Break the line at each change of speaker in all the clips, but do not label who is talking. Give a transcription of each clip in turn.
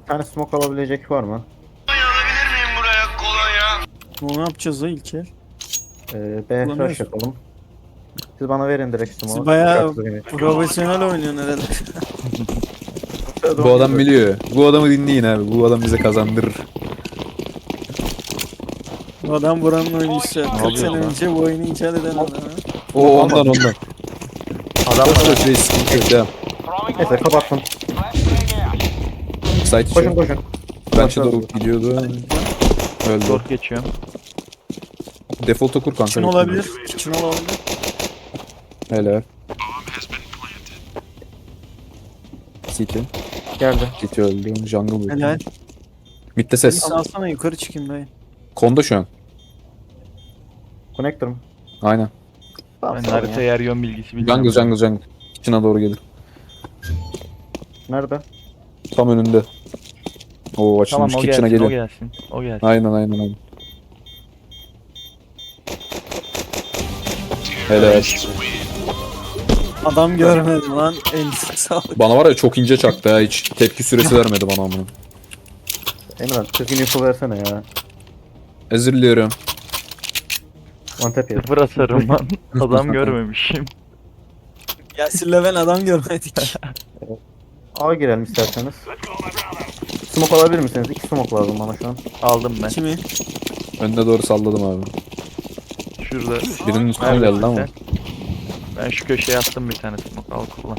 Bir tane smoke alabilecek var mı?
Alabilir miyim buraya kolonya?
Ne yapacağız da ilk el?
B
Kullanıyoruz.
flash yapalım. Siz bana verin direkt
Siz
smoke'u.
bayağı
Dikkatli oynayın.
profesyonel oynuyorsun herhalde.
Bu adam biliyor. Bu adamı dinleyin abi. Bu adam bize kazandırır.
Bu adam buranın oyuncusu. 40
yapıyor
sene
lan?
önce bu oyunu icat eden adam.
O ondan.
Adam
Koş koş reis. Sıkıntı yok, devam.
Neyse kapattım.
Site
Koşun
içi.
koşun.
Bench'e doğru gidiyordu. Öldü.
Short geçiyorum.
Default'a kur kanka.
Kitchen olabilir. Kitchen olabilir.
Helal. City.
Geldi.
City öldü. Jungle
Helal.
öldü. Mid'de ses.
Alsana yukarı çıkayım dayı.
Konda şu an.
Connector mı?
Aynen.
Tamam,
Ben
sağ olun
harita
ya.
yer yön bilgisi bilmiyorum.
Jungle. Kitchen'a doğru gelir.
Nerede?
Tam önünde. Oo
Tamam
açılmış.
o
Kitchen'a
gelsin, o
geliyor.
gelsin. O gelsin.
Aynen. Helal.
Adam görmedim lan. Elisi sağlık.
Bana var ya çok ince çaktı ya. Hiç tepki süresi vermedi bana amına.
Emran 40 info versene ya.
Özür diliyorum.
One tap yedim.
Sıfır asarım lan. Adam görmemişim.
Yasir'le ben adam görmedik.
A girelim isterseniz. Smoke alabilir misiniz? 2 smoke lazım bana şu an.
Aldım ben.
Kimi?
Önüne doğru salladım abi.
Şurada.
Birinin üstüne
Neredesin
geldi ama.
sen? Ben şu köşeye attım bir tane smoke. Al kullan.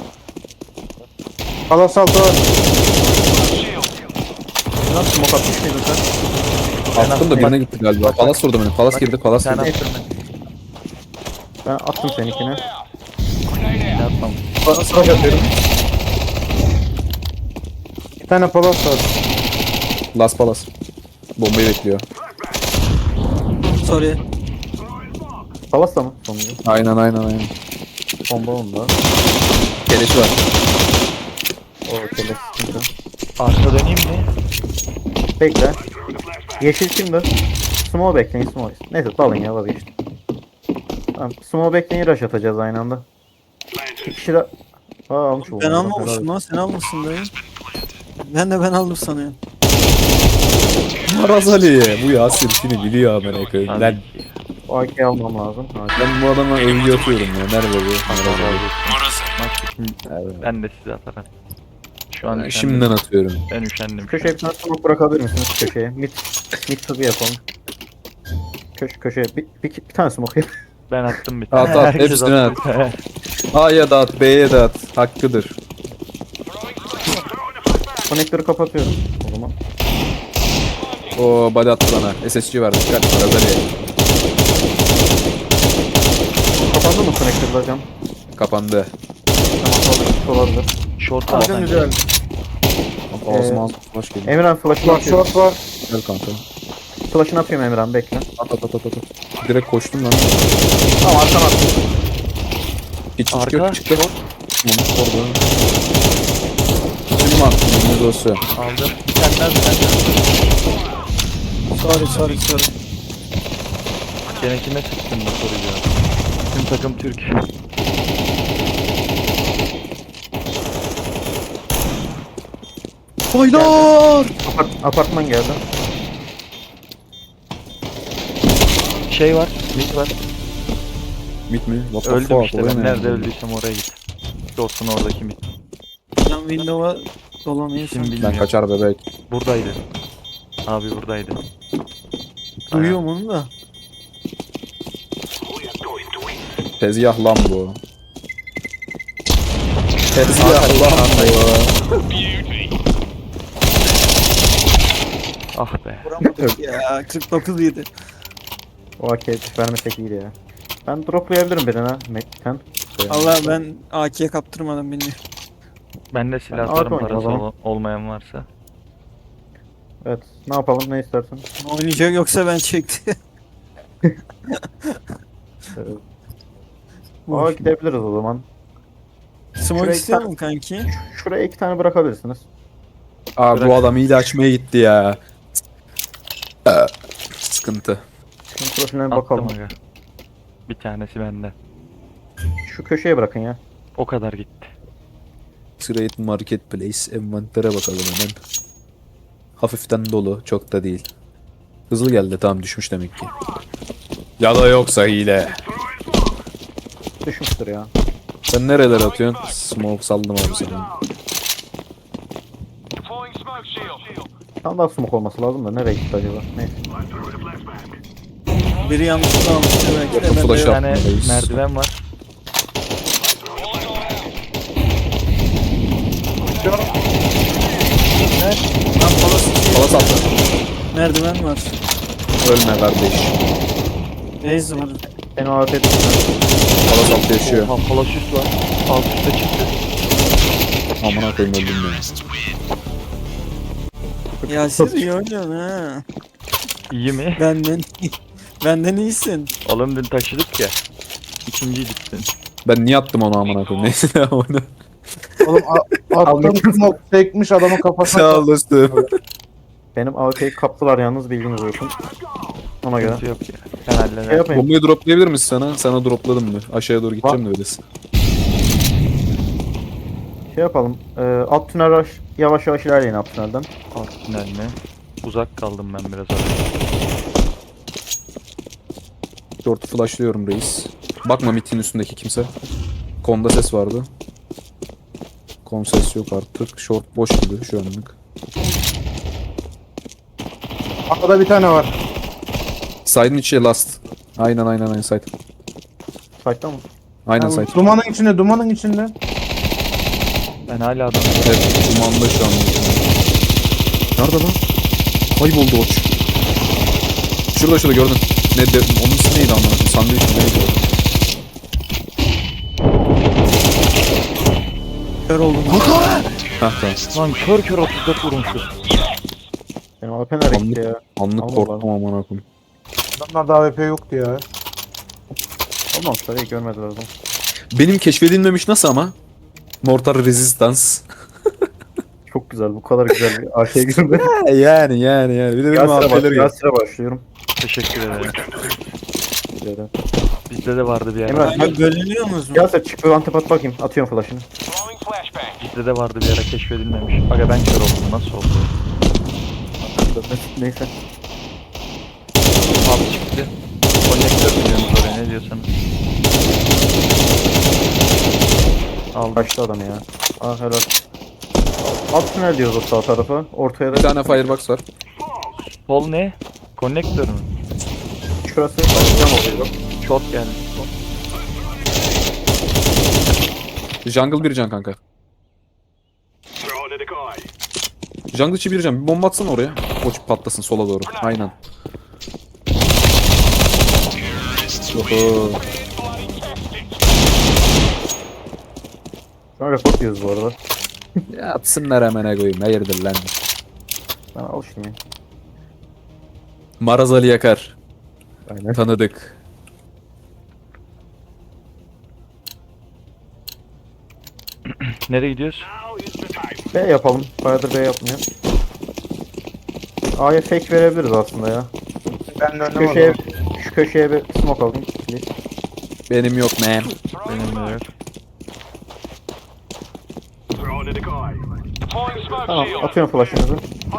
Palas altı var. Nasıl smoke atmış mıydın sen?
Attım da birine gitti galiba. Palas vurdu beni. Palas girdi. Palas
Sen
girdi.
attın
Ben attım seninkine.
ben. Atmam.
Palas atıyorum. Bir tane palas var.
Las Palas. Bombayı bekliyor.
Sorry.
Palas da mı? Sonunda.
Aynen.
Bomba onda.
Keleşi var.
O kele sıkıntı.
Arka döneyim mi?
Bekle. Yeşil kimdi? Smoke bekleyin smoke. Neyse dalın ya vazgeçtim. Tamam. Smoke bekleyin rush atacağız aynı anda. İki kişi de... Aa almış oldum.
Ben almamışım lan. Sen almışsın dayı. Ben aldım sanıyorum.
Maraz Ali. Bu Yasir şimdi biliyor amına koyayım.
Tabii
Ben,
ki.
O AK'yi almam lazım.
ben bu adama övgü atıyorum ya. Nerede bu? Maraz Ali.
Bak şimdi
Evet.
ben de size atarım. Şu an
Ben
üşendim.
şimdiden atıyorum.
Ben üşendim.
Köşeye bir tane smoke bırakabilir misiniz köşeye? Mid hızı yapalım. Köşeye bir tane smoke yap.
Ben attım bir
At,
tane.
at,
Herkes
hepsini
attı.
A'ya da at, B'ye de at. Hakkıdır.
Konektörü kapatıyorum o zaman.
O body attı bana. SSG var. Dikkat. Maraz Ali.
Kapandı mı konektörü hocam?
Kapandı.
Tamam olabilir.
Short
Tamam
alsan.
güzel.
Ağzıma flash geliyor.
Emirhan flash'ını atıyorum. Short var.
Gel kanka.
Flash'ını atıyorum Emirhan bekle.
At. Direkt koştum lan.
Tamam arkana attım.
Hiç
Arka.
yok çıktı. Mumut orada. Kim var? Mumut olsun.
Aldım. Bir tane daha bir tane daha.
Sorry.
Gene kime sıktın bu soruyu ya? Tüm takım Türk.
Baylar!
Apartman geldi.
Şey var. Mid var.
Mit mi? What the
Öldüm
fuck?
işte.
Oraya
Ben
ne
nerede
yani?
öldüysem oraya git. Short'un oradaki mid.
Ben window'a dolanıyor
Kim
sen.
bilmiyor.
Ben kaçar bebek.
Buradaydı. Abi buradaydı.
Duyuyorum onu da.
Tezgah lan bu. Tezgah lan bu.
Ah be.
Vuramadık ya. 49 yedi.
O AK'yi vermesek iyiydi ya. Ben droplayabilirim birine. Mekten.
Allah ben AK'ye kaptırmadım beni.
Ben de
Ben
silahlarım
Arka
parası
oynayayım o
olmayan varsa.
Evet. Ne yapalım ne istersen.
Oynayacak yoksa ben çekti.
Aa gidebiliriz o zaman.
Smoke
Şuraya
istiyor
iki
mu kanki?
Şuraya 2 tane bırakabilirsiniz.
Aa bu adam iyi açmaya gitti ya. Sıkıntı.
Şunun profiline bir
Attım
bakalım.
aga. Bir tanesi bende.
Şu köşeye bırakın ya.
O kadar gitti.
Trade Marketplace envantere bakalım hemen. Hafiften dolu. Çok da değil. Hızlı geldi. Tamam düşmüş demek ki. Ya da yoksa hile.
Düşmüştür ya.
Sen nereler atıyorsun? Smoke saldım abi sana.
Tam daha smoke olması lazım da nereye gitti acaba? Neyse.
Biri yanlışlıkla almış belki de.
Flash
Ben
Bir
de
up.
tane
Reis.
merdiven var.
Lan palası
Palas attı.
merdiven var.
Ölme kardeş.
Reis var.
Benim AWP
Palas attı yaşıyor.
Oha palasüs var. Alt üstte çıktı.
Amına koyayım öldüm ya.
Ya siz iyi oynuyorsun ha.
İyi mi?
Benden iyisin.
Oğlum dün taşıdık ya. İkinciydik dün.
Ben niye attım onu amına koyayım? Neyse onu.
Oğlum attım smoke çekmiş adamın kafasına.
Sağ ol dostum.
Benim AWP'yi kaptılar yalnız bilginiz olsun. Ona göre.
Sıkıntı yok ya. Ben hallederim.
Şey yapayım.
Bombayı droplayabilir misin sana? Sana dropladım mı? Aşağıya doğru gideceğim de öylesin.
Şey yapalım. Alt tünel yavaş yavaş ilerleyin alt tünelden.
Alt tünel mi? Uzak kaldım ben biraz orada.
Short'u flashlıyorum reis. Bakma mitin üstündeki kimse. Konda ses vardı. Kon ses yok artık. Short boş gibi şu anlık.
Arkada bir tane var.
Side'ın içi last. Aynen side.
Site'da mı?
Aynen
Yani
side.
dumanın içinde.
Ben hala adam.
Evet, dumanda şu an. Nerede lan? Kayboldu oç. Şurada gördün. Onun ismi neydi amına koyayım? Sandviç mi neydi o?
Kör oldum.
Hah tamam.
Lan kör kör 34 vurmuşuz.
Benim AWP nereye gitti ya?
Anlık
Allah
korktum amına koyayım.
Adamlarda AWP yoktu ya.
Olmamışlar iyi görmediler o zaman.
Benim keşfedilmemiş nasıl ama? Mortar Resistance.
Çok güzel bu kadar güzel bir AK girdi.
yani. Bir de benim AP'leri gel.
Yasir'e başlıyorum.
Teşekkür ederim.
Şöyle.
Bizde de vardı bir ara.
Emrah
Ya bölünüyor musun?
Yasir çık bir antep at bakayım. Atıyorum flash'ını.
Bizde de vardı bir ara keşfedilmemiş. Aga ben kör oldum. Nasıl oldu?
Neyse.
Abi çıktı. Konnektör biliyorsunuz oraya ne diyorsanız. Aldım.
Kaçtı adam ya. Ah helal. Alt tünel diyoruz o sağ tarafa. Ortaya
Bir
da
tane firebox var.
Sol ne? Konnektör mü?
şurası. Cam oluyor.
Short geldi.
Jungle bir can kanka. Jungle içi bir can. Bir bomba atsana oraya. Koç patlasın sola doğru. Aynen. Oho.
Şu an report diyoruz bu arada.
Ya atsınlar hemen koyayım. Hayırdır lan.
Ben alışayım ya.
Maraz Ali Yakar.
Aynen.
Tanıdık.
Nereye gidiyoruz?
B yapalım. Bayağıdır B yapmıyor. A'ya fake verebiliriz aslında ya.
Ben de
Şu
önlem
köşeye,
alalım.
şu köşeye bir smoke alayım. Please.
Benim yok man.
Benim de yok.
Tamam atıyorum flash'ınızı.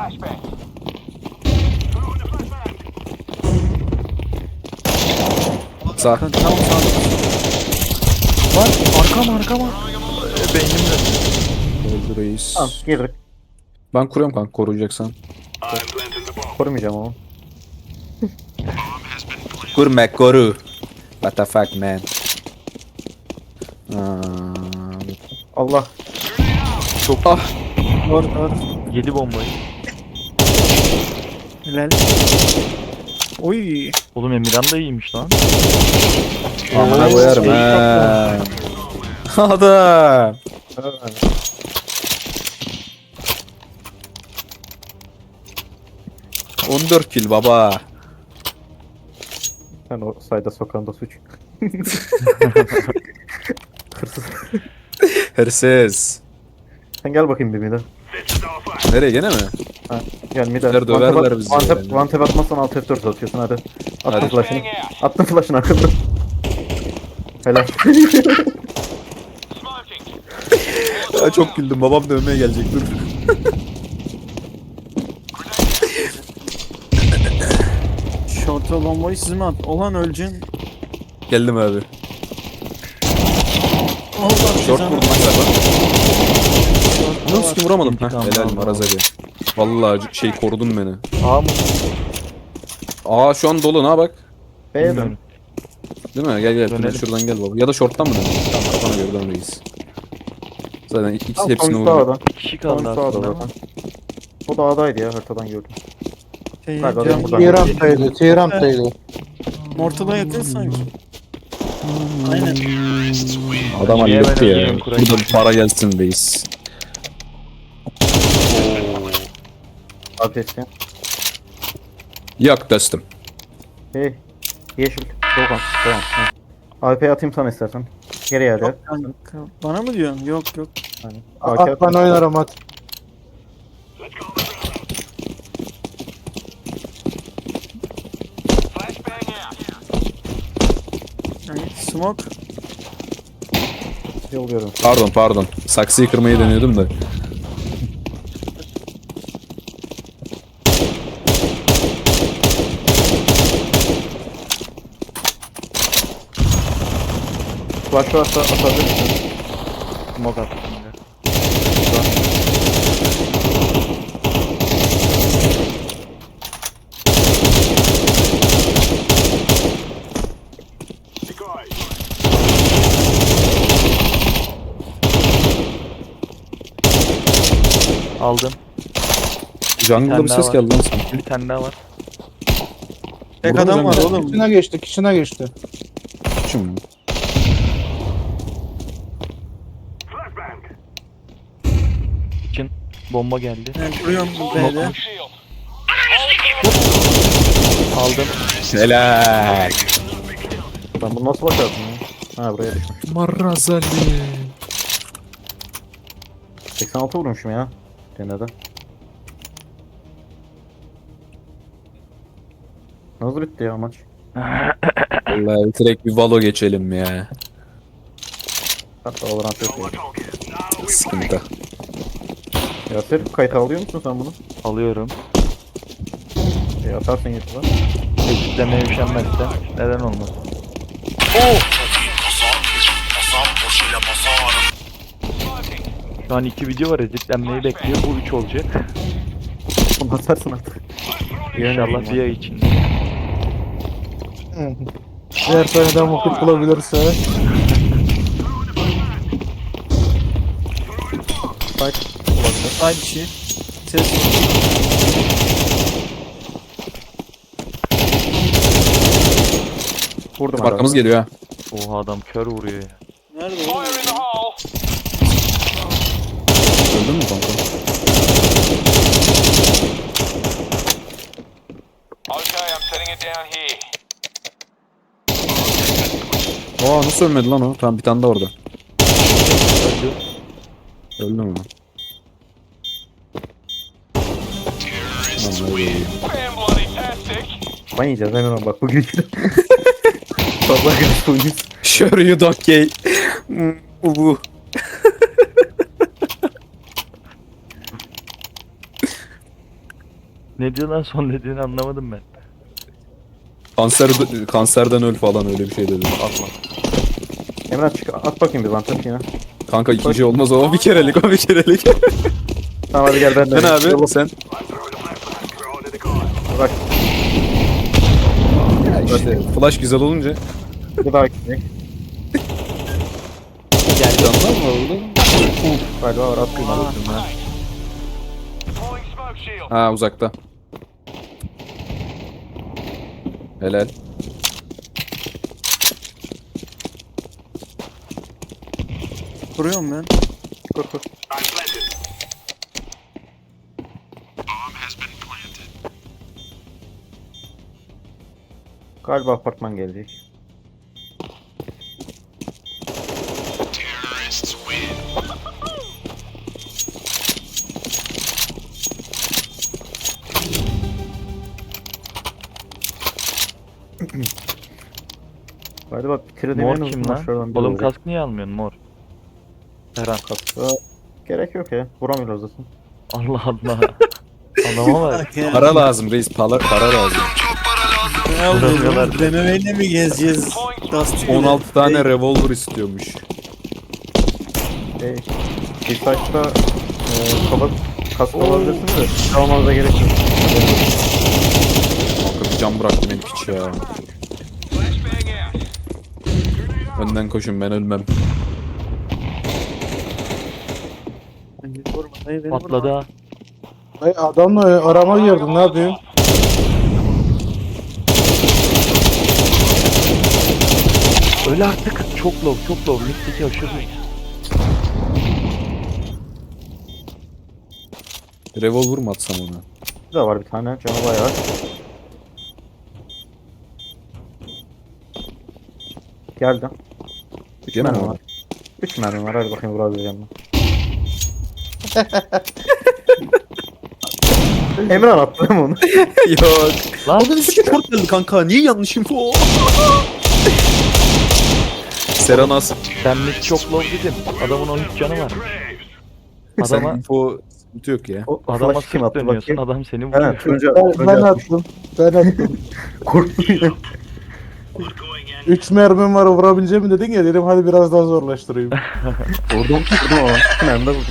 Sağ.
Tam sağda.
Lan arkama. Beynimle.
Öldü reis.
Tamam girdik.
Ben kuruyorum kanka koruyacaksan.
Korumayacağım ama.
Kur koru. What the fuck man.
Allah.
Çok
Var.
7 bombayı.
Helal. Oy.
Oğlum Emirhan da iyiymiş lan.
Amına koyarım ha. Adam.
Evet.
14 kill baba.
Sen o sayda sokağında suç. Hırsız.
Hırsız.
Sen gel bakayım bir mide.
Nereye gene mi?
Gel mide.
Bizler döverler bizi yani.
One tap atmazsan alt F4 atıyorsun hadi. Attım
Hadi.
flash'ını. Attım flash'ını arkada. Helal.
Ya çok güldüm babam dövmeye gelecek dur.
Resto bombayı siz mi at? Olan öleceksin.
Geldim abi.
Allah
Short
cezanı-
vurdum galiba.
Short'ta
Nasıl
var.
ki vuramadım. Heh,
İntikam
helal
aldım.
Maraz abi. Vallahi şey korudun beni.
A mı?
Aa şu an dolu, ne bak.
B'ye dön.
Bilmiyorum.
Değil mi? Gel gel.
Dönelim.
Şuradan gel baba. Ya da short'tan mı dönelim? Tamam, kafana göre dönmeyiz. Zaten ikisi
Tamam,
hepsini
sonuç
vurdum.
sağda.
Bir kişi kaldı
Sonuç sağda
aslında.
zaten. O da A'daydı ya, haritadan gördüm.
Şey,
Galiba
can-
ben buradan-
T-Ramp'taydı. T-Ramp'taydı.
Mortal'a yakın sanki. Aynen.
Adam
Niye
halletti
ben
ya.
ölüyorum Kur'an?
Burada bir para gelsin reis.
Adresi.
Yok dostum.
Hey. Yeşil. Doğan. Tamam. AWP atayım sana istersen. Geri yerde.
Yok kanka. Bana mı diyorsun? Yok yok.
Yani,
At ben oynarım at.
Yani smoke.
Yolluyorum.
Pardon. Saksıyı kırmayı deniyordum da.
Flash varsa atabilir misin?
Smoke attım. Aldım.
Jungle'da bir
daha
ses
var.
geldi lan sana.
Bir tane daha var.
Tek
Burada
adam
mı
var
canım?
oğlum.
Kişine geçti.
Şimdi.
İçin bomba geldi.
Ben kuruyorum B'de.
Aldım.
Helal.
Ben bunu nasıl bakarsın ya? Ha buraya düşmüş.
Marazali.
86 vurmuşum ya. Denede. Nasıl bitti ya maç?
Vallahi direkt bir Valo geçelim ya.
Hatta Valorant yok ya.
Sıkıntı.
Yasir kayıt alıyor musun sen bunu?
Alıyorum.
Atarsın YouTube'a.
Ekiplemeye üşenmezse neden olmaz? Şu an 2 video var, editlenmeyi bekliyor. Bu 3 olacak.
Bunu atarsın artık.
İnşallah bir ay içinde.
Eğer seneden vakit bulabilirse.
Fight.
Ay bir şey. Ses.
Vurdum
Arkamız
adamı.
geliyor ha.
Oha adam kör vuruyor ya.
Nerede oğlum?
Öldün mü kanka?
Okay, I'm setting it down here.
Aa nasıl ölmedi lan o? Tamam bir tane de orada.
Öldü.
Öldü mü? Lan öyle iyi.
Fan bloody tastic.
Ben yiyeceğiz hemen bak bugün. Fazla gaz oynuyoruz.
Sure you don't gay. Bu.
Ne diyor lan, son dediğini anlamadım ben.
Kanserden öl falan öyle bir şey dedi.
Allah.
Emrah çık at bakayım bir vantat yine.
Kanka ikinci olmaz o bir kerelik o bir kerelik.
Tamam hadi gel ben de.
Sen abi sen.
Bak
İşte flash güzel olunca.
bir daha gidecek.
Canlar mı orada?
Galiba var attım.
Deploying smoke shield.
Ha uzakta. Helal.
Kuruyorum ben.
Kur kur. Galiba apartman gelecek. Galiba bitirdiğim
Mor
en
kim
uzun
lan?
maçlardan biri
Oğlum
olacak.
kask niye almıyorsun mor? Eren.
Kaskı gerek yok ya. Vuramıyoruz zaten.
Allah Allah. Adama bak.
Para lazım reis para lazım.
Çok para lazım.
Ne oluyor?
Vuramıyorlar.
Denemeyle mi gezeceğiz? Dusty gibi.
16 tane revolver istiyormuş.
T-Site'da kafa kask alabilirsiniz de silah almanıza gerek yok.
Kanka bir can bıraktı beni piç ya. Önden koşun, ben ölmem.
Beni vurma, dayı, beni
Patladı
vurma.
ha.
Ay adamla arama girdin, ne yapıyorsun?
Öyle artık. Çok low, çok low. Mid'deki aşırı.
Revolver mı atsam ona?
Bir de var bir tane canı bayağı. Geldi. 3
Gene mi
mermi
var?
var. 3 mermi var, hadi bakayım vurabileceğim mi? Emran attı değil mi onu?
Yok.
Lan
Bana short geldi kanka. Niye yanlış info? Serenas.
sen mid çok low dedin. Adamın 13 canı var.
Sen
Adama,
info sıkıntı yok ya.
O
adama
flash kim
sırt
attı
dönüyorsun.
bakayım?
Adam seni
He,
vuruyor.
Tunca,
Ben
Tunca atmış.
attım. Ben attım.
Korktum.
3 mermim var, vurabileceğimi dedin ya, dedim hadi biraz daha zorlaştırayım.
Vurdum ama. 2 mermi de vurdum.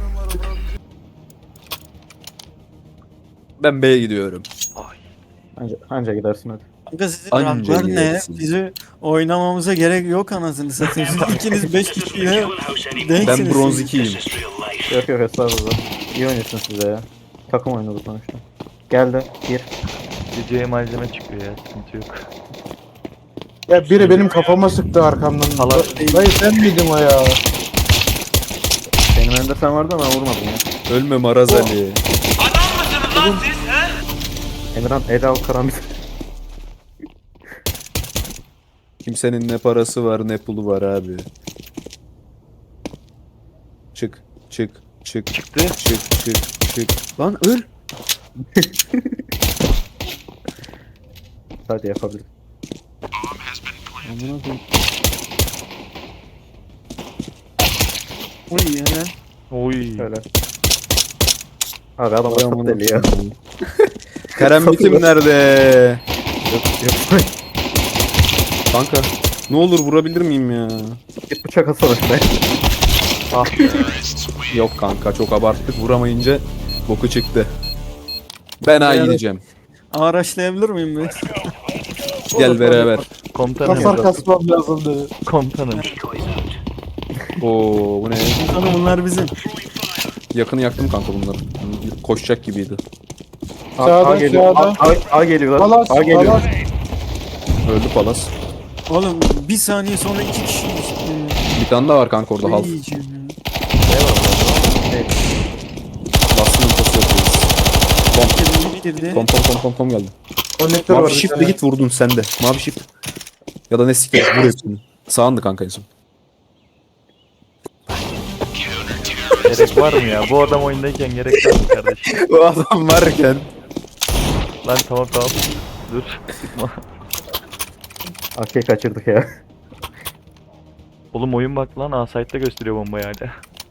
Ben B'ye gidiyorum.
Anca gidersin hadi.
Kanka sizin
Anca
ranklar ne?
yersin.
Bizi oynamamıza gerek yok anasını satayım. Siz ikiniz 5 kişiyle denksiniz.
Ben bronz
siz.
2'yim.
Yok yok estağfurullah. İyi oynuyorsun size ya. Takım oyunu bu sonuçta. Geldi. Gir.
Geceye malzeme çıkıyor ya. Sıkıntı yok.
Ya biri benim kafama sıktı arkamdan.
Allah-
Dayı sen miydin o ya?
Benim önümde sen vardın ama vurmadın ya.
Ölme Maraz Ali.
Emirhan Eda Karan
Kimsenin ne parası var ne pulu var abi. Çık, çık, çık,
Çıktı.
çık, çık, çık. Lan öl.
hadi yapabilir.
Amına koyayım.
Oy ya.
Oy.
Şöyle. Abi adam
Vay
asat
amına
deli ya.
koyayım. Karambitim nerede?
Yok yok.
Kanka ne olur vurabilir miyim ya?
Git bıçak atsana şuraya.
Ah be.
Yok kanka çok abarttık, vuramayınca boku çıktı. Ben A gideceğim.
Araçlayabilir miyim ben?
Gel beraber.
Komutanım.
Kasar kasmam lazım dedi.
Komutanım.
Oo bu ne?
Sonra bunlar bizim.
Yakını yaktım kanka bunları. Koşacak gibiydi.
Sağda,
geliyor.
sağda.
A geliyorlar.
Palas,
A geliyor.
palas.
Öldü Palas.
Oğlum bir saniye sonra 2 kişi.
Bir tane daha var kanka orada half. Bastığın infosu yapıyoruz.
Bitirdi.
Tom geldi.
Konnektör var.
Mavi
bir
shift'le
tane.
git vurdun sen de. Mavi shift. Ya da ne siktir vur hepsini. Sağındı kanka en son.
Gerek var mı ya? Bu adam oyundayken gerek var mı kardeşim?
O adam varken.
Lan tamam tamam. Dur. Sıkma.
AK'yi kaçırdık ya.
Oğlum oyun bak lan. A-Site'da gösteriyor bombayı hala.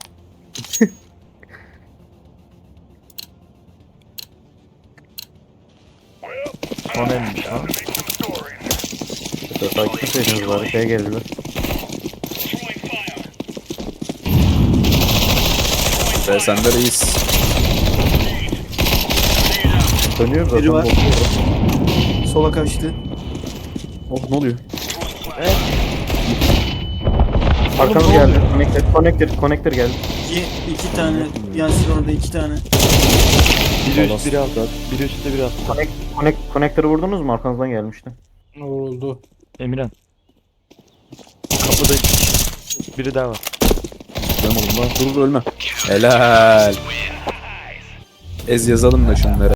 Son elmiş lan.
Takip etseydiniz bari şeye geldiler.
Ve sen de reis.
Dönüyor zaten.
Biri var.
bozuluyor.
Sola kaçtı.
Oh ne oluyor?
Arkamız geldi. Connector geldi.
İki tane. Yasin orada 2 tane.
Biri üst biri alt. Biri üstte biri alt.
Connector'ı vurdunuz mu? Arkanızdan gelmişti.
Oldu.
Emirhan. Kapıda biri daha var.
Benim oğlum lan. Dur ölme. Helal. Ez yazalım da şunları.